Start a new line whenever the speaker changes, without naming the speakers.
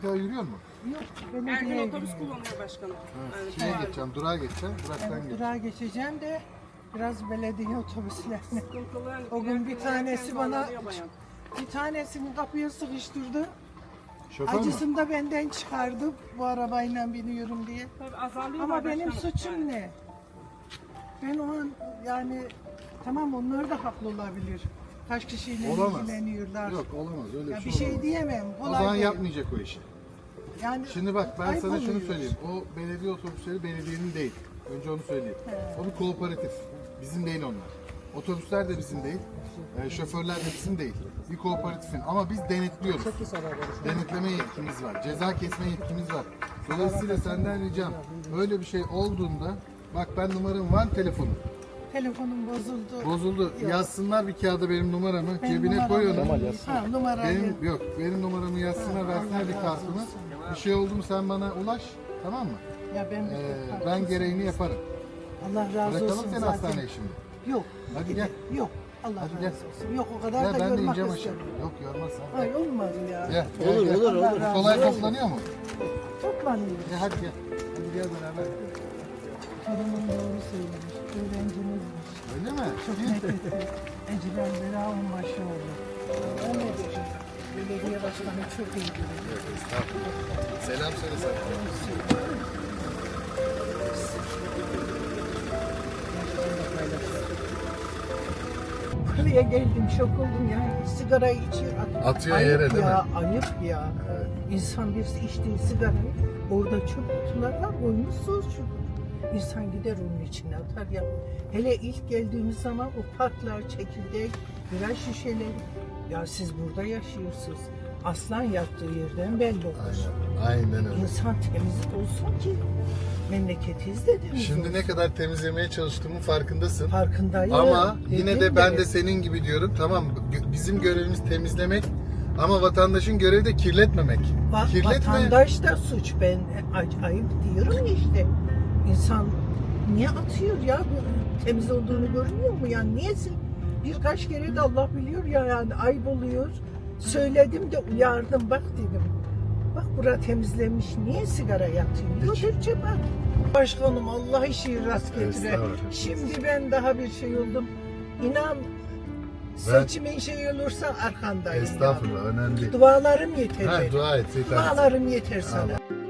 Ya yürüyor mu?
Yok,
Her gün
belediyeye
otobüs
gidiyorum.
kullanıyor başkanım.
Evet. Şeye geçeceğim, durağa geçeceğim, duraktan
Evet,
geçeceğim.
durağa geçeceğim de biraz belediye otobüslerine.
Sıkıntılı.
O gün bir tanesi
Erken
bana,
bağlanıyor bayan.
bir tanesini kapıya sıkıştırdı.
Şoför mü?
Acısını da benden çıkardı bu arabayla biniyorum diye.
Tabii azalıyor
Ama benim
başkanım.
suçum
Yani.
ne? Ben o an yani tamam onlar da haklı olabilir. Kaç kişiyle
Olamaz.
ilgileniyorlar.
Yok olamaz öyle
Ya
bir
bir
şey
şey
olamaz.
diyemem.
O
Kolay
zaman
değil.
yapmayacak o işi.
Yani
Şimdi bak ben
ayıp
sana şunu
oluyor.
söyleyeyim. O belediye otobüsleri belediyenin değil. Önce onu söyleyeyim.
He.
O bir kooperatif. Bizim değil onlar. Otobüsler de bizim değil. Şoförler de bizim değil. Bir kooperatifin ama biz denetliyoruz. Denetleme yetkimiz var. Ceza kesme yetkimiz var. Dolayısıyla senden ricam öyle bir şey olduğunda bak ben numaram var telefonum.
telefonum bozuldu.
Bozuldu.
Yok.
Yazsınlar bir kağıda benim numaramı.
Benim
Cebine
numaram
koy onu.
yok. Ha, numarayı.
Benim numaramı yazsınlar,
Ha,
versinler
Allah
bir
razı
kartımı.
olsun.
Bir şey oldu mu sen bana ulaş. Tamam mı?
Ya
Ben gereğini yaparım.
Allah razı
Bırakalım
olsun
seni
zaten.
hastaneye şimdi.
Yok.
Hadi
gide-
gel.
Yok. Allah
Hadi
razı
gel.
olsun. Yok o kadar
Ya
da
ben de
yormak
ineceğim aşağı.
istemiyorum.
Yok yormaz sen.
Ay olmaz ya.
Gel, gel, gel.
Allah razı
Kolay
olsun.
toplanıyor mu?
Toplanıyoruz.
Hadi gel. Hadi gel beraber.
Torunum doğru söylemiş. Öğrencimizmiş.
Öyle mi?
Çok nefretti. Ecren Bera onbaşı oldu. Öyle dedi. Belediye başkanı çok iyi dedi.
Selam söyle sen.
Buraya geldim şok oldum ya. Sigarayı içiyor.
Atıyor
Ayıp
yere, değil mi?
ya, ayıp ya. İnsan birisi içtiği sigarayı orada çöp kutular var koymuşsunuz şudur. İnsan gider onun içine atar ya. Hele ilk geldiğimiz zaman o parklar, çekirdek, birer şişeleri. Ya siz burada yaşıyorsunuz. Aslan yattığı yerden belli olur.
Aynen öyle.
İnsan temiz olsun ki memleketiz de temiz
Şimdi
olsun.
ne kadar temizlemeye çalıştığımın farkındasın.
Farkındayım.
Ama yine
Dedim
de ben de senin gibi diyorum. Tamam bizim görevimiz temizlemek ama vatandaşın görevi de kirletmemek. Kirletme.
Vatandaş da suç. Ben ayıp diyorum ya işte. İnsan niye atıyor ya? Bu temiz olduğunu görmüyor mu? Yani niyesin? Birkaç kere de Allah biliyor ya yani ayıp oluyor. Söyledim de uyardım bak dedim. Bak bura temizlenmiş. Niye sigara yatıyor? Götür cebe. Başkanım Allah işi rast getire.
Estağfurullah.
Şimdi ben daha bir şey oldum. İnan seçimin şey olursa arkandayım.
Estağfurullah önemli değil.
Dualarım yeter.
Ha,
benim.
dua et. Yeter.
Dualarım yeter sana.